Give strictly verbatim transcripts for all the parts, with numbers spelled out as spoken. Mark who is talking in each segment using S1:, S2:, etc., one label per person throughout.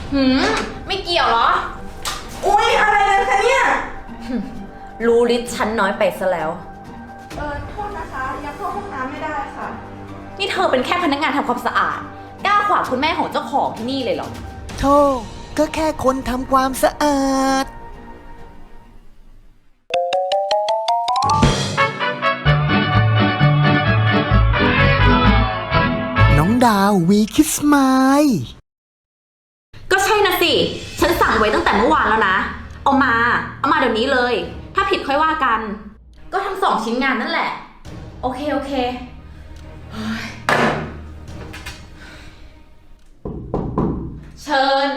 S1: หืมไม่เกี่ยวเหรอ
S2: อุ๊ยอะไรกันคะเนี่ย
S1: รู้ลิ์ฉันน้อยไปซะแล้ว
S2: เออโทษนะคะยังเข้าห้องน้ำไม่ได้ค่ะ
S1: นี่เธอเป็นแค่พนักงานทำความสะอาดกล้าขวางคุณแม่ของเจ้าของที่นี่เลยเหรอ
S3: โธ่ก็แค่คนทำความสะอาด น้องดาววีคิสไมล์
S1: ก็ใช่นะสิ ฉันสั่งไว้ตั้งแต่เมื่อวานแล้วนะ เอามา เอามาเดี๋ยวนี้เลย ถ้าผิดค่อยว่ากัน ก็ทั้งสองชิ้นงานนั่นแหละ โอเค โอเคเฮ้ยเชิญ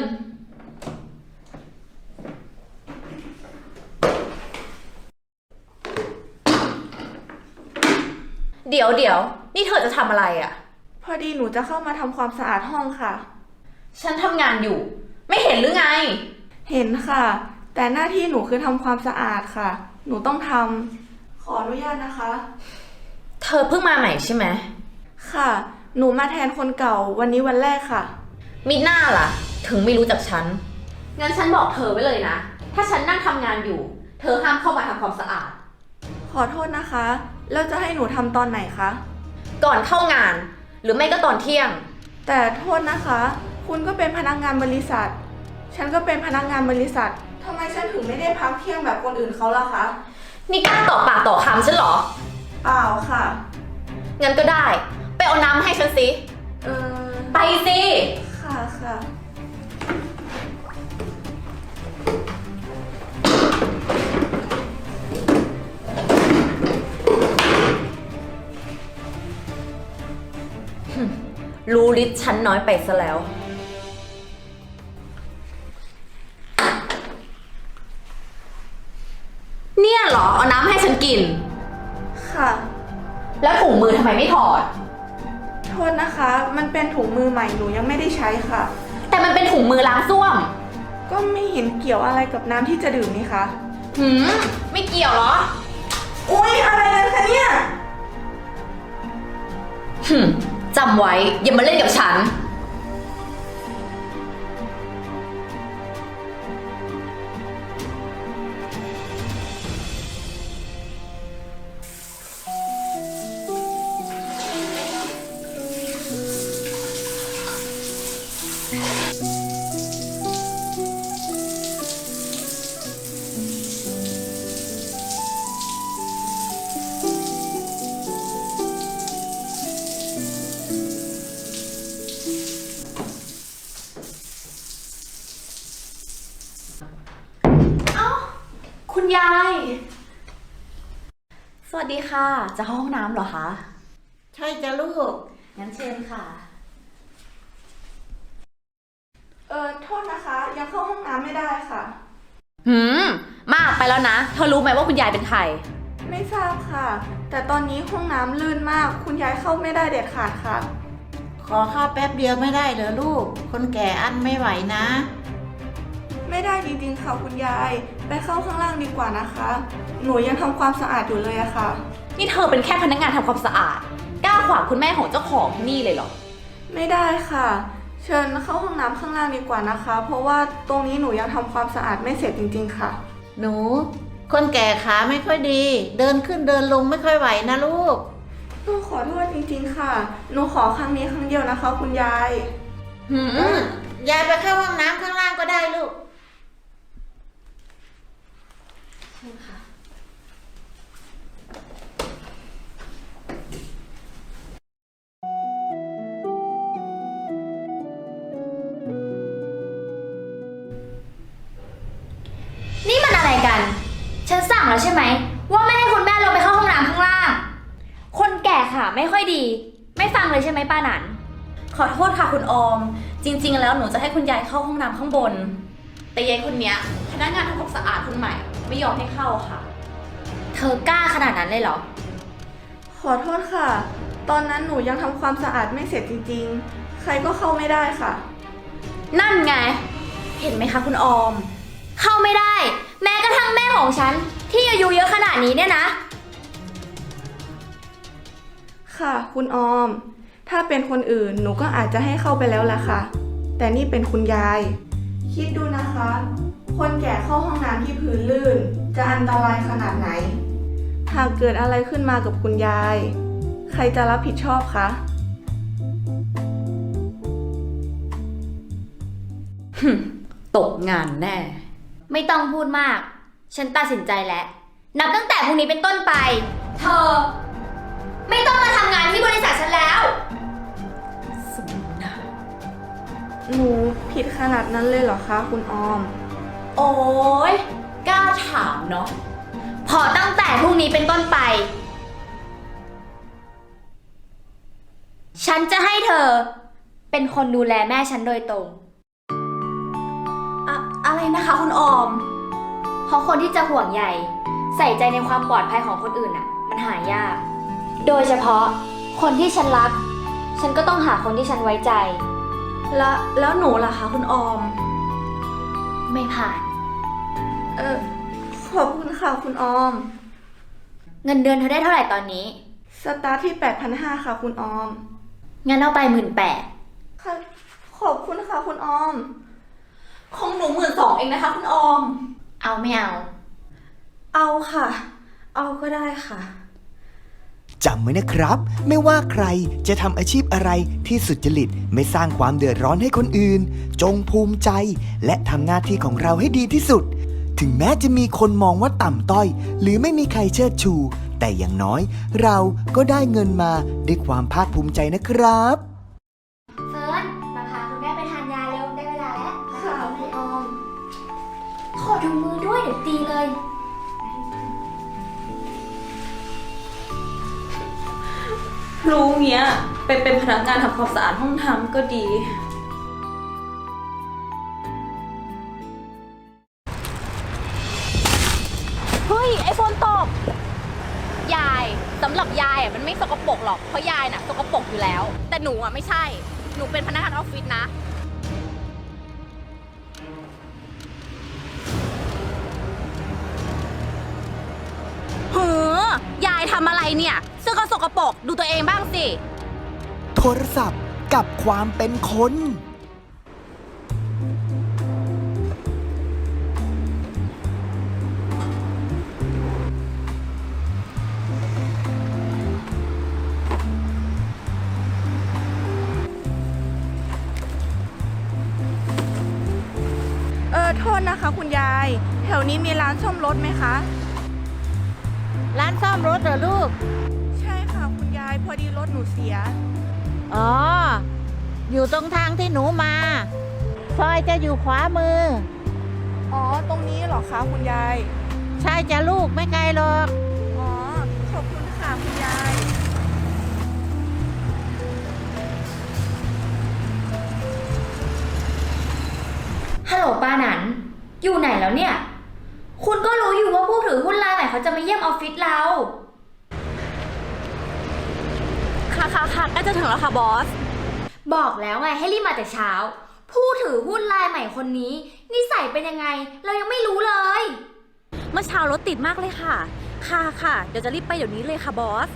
S1: เดี๋ยวเดี๋ยวนี่เธอจะทำอะไรอะ่ะ
S2: พอดีหนูจะเข้ามาทำความสะอาดห้องค่ะ
S1: ฉันทำงานอยู่ ไม่เห็นหรือไง
S2: เห็นค่ะ แต่หน้าที่หนูคือทำความสะอาดค่ะ หนูต้องทำขออนุญาตนะคะ
S1: เธอเพิ่งมาใหม่ใช่ไหม
S2: ค่ะ หนูมาแทนคนเก่าวันนี้วันแรกค่ะ
S1: มิหน้าล่ะ ถึงไม่รู้จักฉัน งั้นฉันบอกเธอไว้เลยนะ ถ้าฉันนั่งทำงานอยู่ เธอห้ามเข้ามาทำความสะอาด
S2: ขอโทษนะคะ แล้วจะให้หนูทำตอนไหนคะ
S1: ก่อนเข้างาน หรือไม่ก็ตอนเที่ยง
S2: แต่โทษนะคะ คุณก็เป็นพนักงานบริษัท ฉันก็เป็นพนักงานบริษัททำไมฉันถึงไม่ได้พักเที่ยงแบบคนอื่นเขาล่ะคะ
S1: นี่กล้าต่อปากต่อคำฉันเหรอ
S2: เปล่าค่ะ
S1: งั้นก็ได้ ไปเอาน้ำให้ฉันสิ
S2: เออ
S1: ไปสิ
S2: ค่ะค่ะ
S1: รู้ลิ์ฉันน้อยไปซะแล้ว เนี่ยเหรอ เอาน้ำให้ฉันกิน
S2: ค่ะ
S1: แล้วถุงมือทำไมไม่ถอด
S2: โทษนะคะ มันเป็นถุงมือใหม่หนูยังไม่ได้ใช้ค่ะ
S1: แต่มันเป็นถุงมือล้างส้วม
S2: ก็ไม่เห็นเกี่ยวอะไรกับน้ำที่จะดื่มนี่คะ
S1: หืม ไม่เกี่ยวเหรอ
S2: อุ๊ยอะไรกันคะเนี่ย
S1: หึมจำไว้ อย่ามาเล่นกับฉัน เอ้า คุณยาย สวัสดีค่ะ จะเข้าห้องน้ำเหรอคะ
S4: ใช่จ้ะลูก
S1: งั้นเชิญค่ะ
S2: เออโทษนะคะ ยังเข้าห้องน้ำไม่ได้ค่ะ
S1: หืม มากไปแล้วนะ เธอรู้ไหมว่าคุณยายเป็นใคร
S2: ไม่ทราบค่ะ แต่ตอนนี้ห้องน้ำลื่นมาก คุณยายเข้าไม่ได้เด็ดขาดค่ะ
S4: ขอข้าวแป๊บเดียวไม่ได้เหรอลูก คนแก่อั้นไม่ไหวนะ
S2: ไม่ได้จริงๆค่ะคุณยาย ไปเข้าข้างล่างดีกว่านะคะ หนูยังทำความสะอาดอยู่เลยอะค่ะ
S1: นี่เธอเป็นแค่พนักงานทำความสะอาดกล้าขวางคุณแม่ของเจ้าของที่นี่เลยเหรอ
S2: ไม่ได้ค่ะ เชิญเข้าห้องน้ำข้างล่างดีกว่านะคะ เพราะว่าตรงนี้หนูยังทำความสะอาดไม่เสร็จจริงๆค่ะ
S4: หนู คนแก่ขาไม่ค่อยดี เดินขึ้นเดินลงไม่ค่อยไหวนะลูก
S2: หนูขอโทษจริงๆค่ะ หนูขอครั้งนี้ครั้งเดียวนะคะ คุณยาย
S1: หืม
S4: ยายไปเข้าห้องน้ำข้างล่างก็ได้ลูก
S5: นี่มันอะไรกัน ฉันสั่งแล้วใช่ไหม ว่าไม่ให้คุณแม่ลงไปเข้าห้องน้ำข้างล่าง คนแก่ค่ะไม่ค่อยดี ไม่ฟังเลยใช่ไหมป้าหนัน
S1: ขอโทษค่ะคุณออม จริงๆ แล้วหนูจะให้คุณยายเข้าห้องน้ำข้างบน แต่ยายคนเนี้ยพนักงานทำความสะอาดคนใหม่ ไม่ยอมให้เข้าค่ะ
S5: เธอกล้าขนาดนั้นเลยเหรอ
S2: ขอโทษค่ะ ตอนนั้นหนูยังทำความสะอาดไม่เสร็จจริงๆ ใครก็เข้าไม่ได้ค่ะ
S1: นั่นไง เห็นไหมคะคุณออม
S5: เข้าไม่ได้ แม้กระทั่งแม่ของฉัน ที่อายุเยอะขนาดนี้เนี่ยนะ
S2: ค่ะ คุณออม ถ้าเป็นคนอื่นหนูก็อาจจะให้เข้าไปแล้วแหละค่ะ แต่นี่เป็นคุณยายคิดดูนะคะ คนแก่เข้าห้องน้ำที่พื้นลื่น จะอันตรายขนาดไหน หากเกิดอะไรขึ้นมากับคุณยาย ใครจะรับผิดชอบคะ
S1: ตกงานแน่
S5: ไม่ต้องพูดมาก ฉันตัดสินใจแล้ว นับตั้งแต่พรุ่งนี้เป็นต้นไป เธอ ไม่ต้องมาทำงานที่บริษัทฉันแล้ว
S1: สมนา
S2: หนูผิดขนาดนั้นเลยเหรอคะคุณออม
S1: โอ้ยกล้าถามเนาะ
S5: พอตั้งแต่พรุ่งนี้เป็นต้นไป ฉันจะให้เธอ เป็นคนดูแลแม่ฉันโดยตรง
S1: อะอะไรนะคะคุณออม
S5: เพราะคนที่จะห่วงใยใส่ใจในความปลอดภัยของคนอื่นน่ะ มันหายาก โดยเฉพาะคนที่ฉันรัก ฉันก็ต้องหาคนที่ฉันไว้ใจ
S1: แล้วแล้วหนูล่ะคะคุณออม
S5: ไม่ผ่าน
S2: เออขอบคุณค่ะคุณออม
S5: เงินเดือนเธอได้เท่าไหร่ตอนนี้
S2: สตาร์ทที่ แปดพันห้าร้อย ค่ะคุณออม
S5: งั้นเอาไปหมื่นแปด
S2: ค่ะ ขอบคุณค่ะคุณออม
S1: ของหนูหมื่นสองเองนะคะคุณออม
S5: เอาไม่เอา
S2: เอาค่ะ เอาก็ได้ค่ะ
S3: จำไว้นะครับ ไม่ว่าใครจะทำอาชีพอะไรที่สุจริตไม่สร้างความเดือดร้อนให้คนอื่น จงภูมิใจ และทำหน้าที่ของเราให้ดีที่สุด ถึงแม้จะมีคนมองว่าต่ำต้อย หรือไม่มีใครเชิดชู แต่อย่างน้อย เราก็ได้เงินมาด้วยความภาคภูมิใจนะครับ
S5: เฟิร์น มาพาคุณแม่ไปทานยาเร็ว ได้เวลาแล้ว
S2: ค่ะคุณออม
S5: ขอดูมือด้วยเดี๋ยวตีเลย
S1: รู้เงี้ยไปเป็นพนักงานทำความสะอาดห้องน้ำก็ดี เฮ้ย ไอโฟนตก ยายสำหรับยายอ่ะมันไม่สกปรกหรอก เพราะยายน่ะสกปรกอยู่แล้ว แต่หนูอ่ะไม่ใช่ หนูเป็นพนักงานออฟฟิศนะ เฮ้อยายทำอะไรเนี่ยเสื้อก็สกปรกดูตัวเองบ้างสิ
S3: โทรศัพท์กับความเป็นคน
S2: เออโทษนะคะคุณยาย แถวนี้มีร้านซ่อมรถไหมคะ
S4: ร้านซ่อมรถเหรอลูก
S2: ใช่ค่ะคุณยาย พอดีรถหนูเสีย
S4: อ๋อ อยู่ตรงทางที่หนูมา ซอยจะอยู่ขวามือ
S2: อ๋อ ตรงนี้เหรอคะคุณยาย
S4: ใช่จะลูกไม่ไกลหรอก
S2: อ๋อ ขอบคุณค่ะคุณยาย
S5: ฮัลโหลป้าหนัน อยู่ไหนแล้วเนี่ย คุณก็รู้อยู่ว่าผู้ถือหุ้นรายใหม่เขาจะมาเยี่ยมออฟฟิศเรา
S1: ค่ะค่ะค่ะใกล้จะถึงแล้วค่ะบอส
S5: บอกแล้วไงให้รีบมาแต่เช้า ผู้ถือหุ้นรายใหม่คนนี้นิสัยเป็นยังไง เรายังไม่รู้เลย
S1: เมื่อเช้ารถติดมากเลยค่ะ ค่ะค่ะ เดี๋ยวจะรีบไปเดี๋ยวนี้เลยค่ะบอส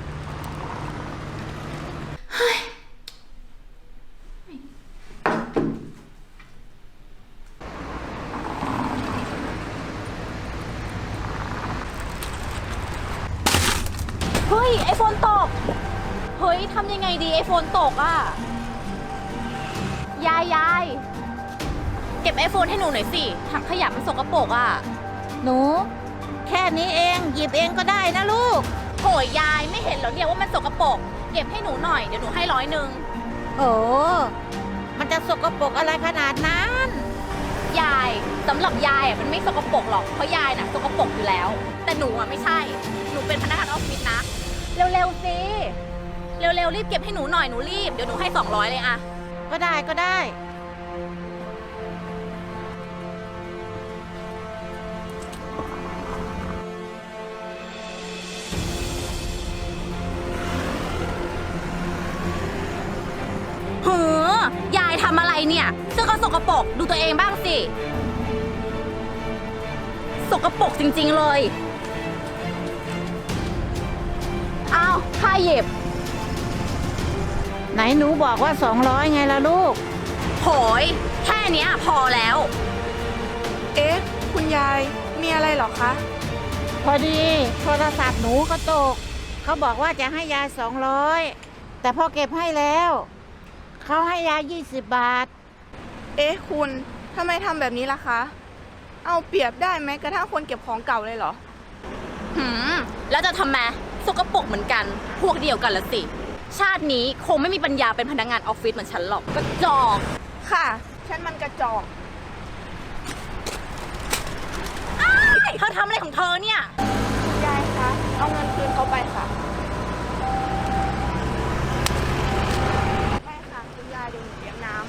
S1: เฮ้ย ไอโฟนตก เฮ้ย ทำยังไงดีไอโฟนตกอ่ะ ยายยาย เก็บไอโฟนให้หนูหน่อยสิ ถังขยะมันสกปรกอ่ะ
S4: หนู แค่นี้เองหยิบเองก็ได้นะลูก
S1: โหยยายไม่เห็นเหรอเนี่ยว่ามันสกปรก เก็บให้หนูหน่อย เดี๋ยวหนูให้ร้อยหนึ่ง
S4: โอ้มันจะสกปรกอะไรขนาดนั้น
S1: ยายสำหรับยายอ่ะมันไม่สกปรกหรอก เพราะยายน่ะสกปรกอยู่แล้ว แต่หนูอ่ะไม่ใช่ หนูเป็นพนักงานออฟฟิศนะ เร็วๆสิ เร็วๆรีบเก็บให้หนูหน่อยหนูรีบ เดี๋ยวหนูให้สองร้อยเลยอะ
S4: ก็ได้ก็ได้
S1: เฮ้อยายทำอะไรเนี่ยเสื้อก็สกปรกดูตัวเองบ้างสิ สกปรกจริงๆเลย เอาค่าเย็บ
S4: ไหนหนูบอกว่าสองร้อยไงล่ะลูก
S1: โหยแค่เนี้ยพอแล้ว
S2: เอ๊ะ คุณยาย มีอะไรเหรอคะ
S4: พอดีโทรศัพท์หนูก็ตก เขาบอกว่าจะให้ยายสองร้อยแต่พอเก็บให้แล้ว เขาให้ยายยี่สิบบาท
S2: เอ๊ะ คุณทำไมทำแบบนี้ล่ะคะ เอาเปรียบได้ไหมกระทั่งคนเก็บของเก่าเลยเหรอ
S1: หืม แล้วจะทำไมสกปรกเหมือนกัน พวกเดียวกันละสิ ชาตินี้คงไม่มีปัญญาเป็นพนักงานออฟฟิศเหมือนฉันหรอกกระจอก
S2: ค่ะ ฉันมันกระจอก
S1: เธอทำอะไรของเธอเนี่ย
S2: คุณยายคะ เอาเงินคืนเขาไปค่ะ ไม่ค่ะ คุณยายเดี๋ยวหนูเตรียมน้ำ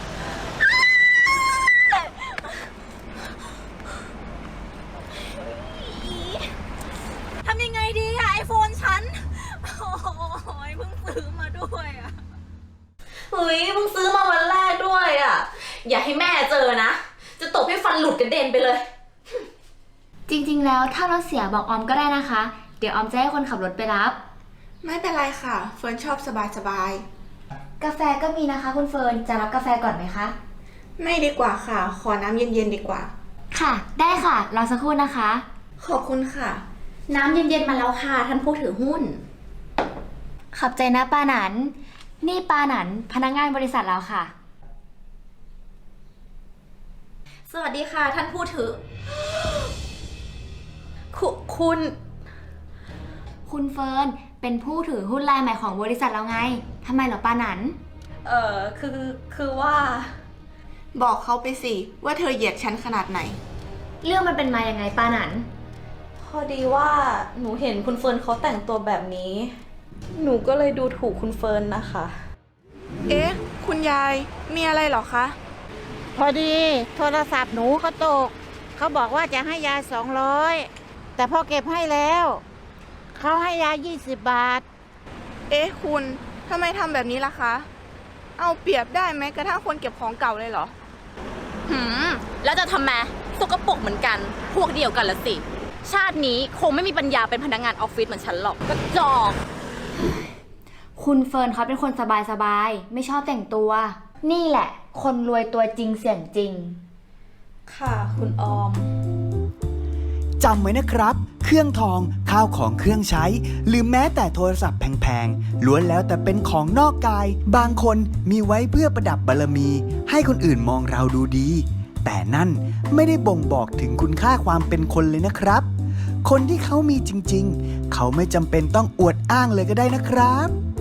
S1: ทำยังไงดีอะไอโฟนฉัน โอ้ยเพิ่งซื้อมาด้วยอะเฮ้ยเพิ่งซื้อมาวันแรกด้วยอะอย่าให้แม่เจอนะ จะตบให้ฟันหลุดกระเด็นไปเลย
S5: จริงๆ แล้วถ้ารถเสียบอกออมก็ได้นะคะ เดี๋ยวออมจะให้คนขับรถไปรับ
S2: ไม่เป็นไรค่ะ เฟิร์นชอบสบายสบาย
S5: กาแฟก็มีนะคะคุณเฟิร์น จะรับกาแฟก่อนไหมคะ
S2: ๆไม่ดีกว่าค่ะ ขอน้ำเย็นๆดีกว่า
S5: ค่ะ ได้ค่ะ รอสักครู่นะคะ
S2: ขอบคุณค่ะ
S1: น้ำเย็นๆมาแล้วค่ะท่านผู้ถือหุ้น
S5: ขอบใจนะปาหนัน นี่ปาหนันพนักงานบริษัทเราค่ะ
S1: สวัสดีค่ะท่านผู้ถือ คุคุณ
S5: คุณเฟิร์นเป็นผู้ถือหุ้นรายใหม่ของบริษัทเราไงทำไมเหรอปาหนัน
S1: เอ่อ คือ คือว่า
S2: บอกเขาไปสิ ว่าเธอเหยียดฉันขนาดไหน
S5: เรื่องมันเป็นมายังไงปาหนัน
S1: พอดีว่าหนูเห็นคุณเฟิร์นเขาแต่งตัวแบบนี้ หนูก็เลยดูถูกคุณเฟิร์นนะคะ
S2: เอ๊ะ คุณยาย มีอะไรเหรอคะ
S4: พอดีโทรศัพท์หนูก็ตก เขาบอกว่าจะให้ยายสองร้อยแต่พอเก็บให้แล้ว เขาให้ยายยี่สิบบาท
S2: เอ๊ะ คุณทำไมทำแบบนี้ล่ะคะ เอาเปรียบได้ไหมกระทั่งคนเก็บของเก่าเลยเหรอ
S1: หืม แล้วจะทำไมสกปรกเหมือนกัน พวกเดียวกันละสิ ชาตินี้คงไม่มีปัญญาเป็นพนักงานออฟฟิศเหมือนฉันหรอกกระจอก
S5: คุณเฟิร์นเขาเป็นคนสบายๆ ไม่ชอบแต่งตัว นี่แหละ คนรวยตัวจริงเสียงจริง
S1: ค่ะ คุณออม
S3: จำไว้นะครับ เครื่องทอง ข้าวของเครื่องใช้ หรือแม้แต่โทรศัพท์แพงๆ ล้วนแล้วแต่เป็นของนอกกาย บางคนมีไว้เพื่อประดับบารมี ให้คนอื่นมองเราดูดี แต่นั่นไม่ได้บ่งบอกถึงคุณค่าความเป็นคนเลยนะครับ คนที่เขามีจริงๆ เขาไม่จำเป็นต้องอวดอ้างเลยก็ได้นะครับ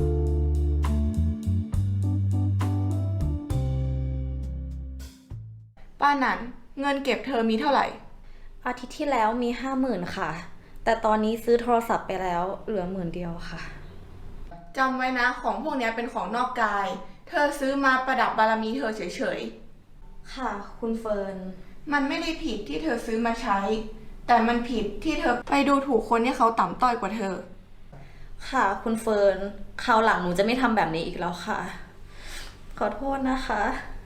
S2: ป้าหนัน เงินเก็บเธอมีเท่าไหร่
S1: อาทิตย์ที่แล้วมีห้าหมื่นค่ะ แต่ตอนนี้ซื้อโทรศัพท์ไปแล้วเหลือหมื่นเดียวค่ะ
S2: จำไว้นะ ของพวกนี้เป็นของนอกกาย เธอซื้อมาประดับบารมีเธอเฉย
S1: ค่ะ คุณเฟิร์น
S2: ๆ มันไม่ได้ผิดที่เธอซื้อมาใช้ แต่มันผิดที่เธอไปดูถูกคนที่เขาต่ำต้อยกว่าเธอ
S1: ค่ะ คุณเฟิร์น คราวหลังหนูจะไม่ทำแบบนี้อีกแล้วค่ะ ขอโทษนะคะ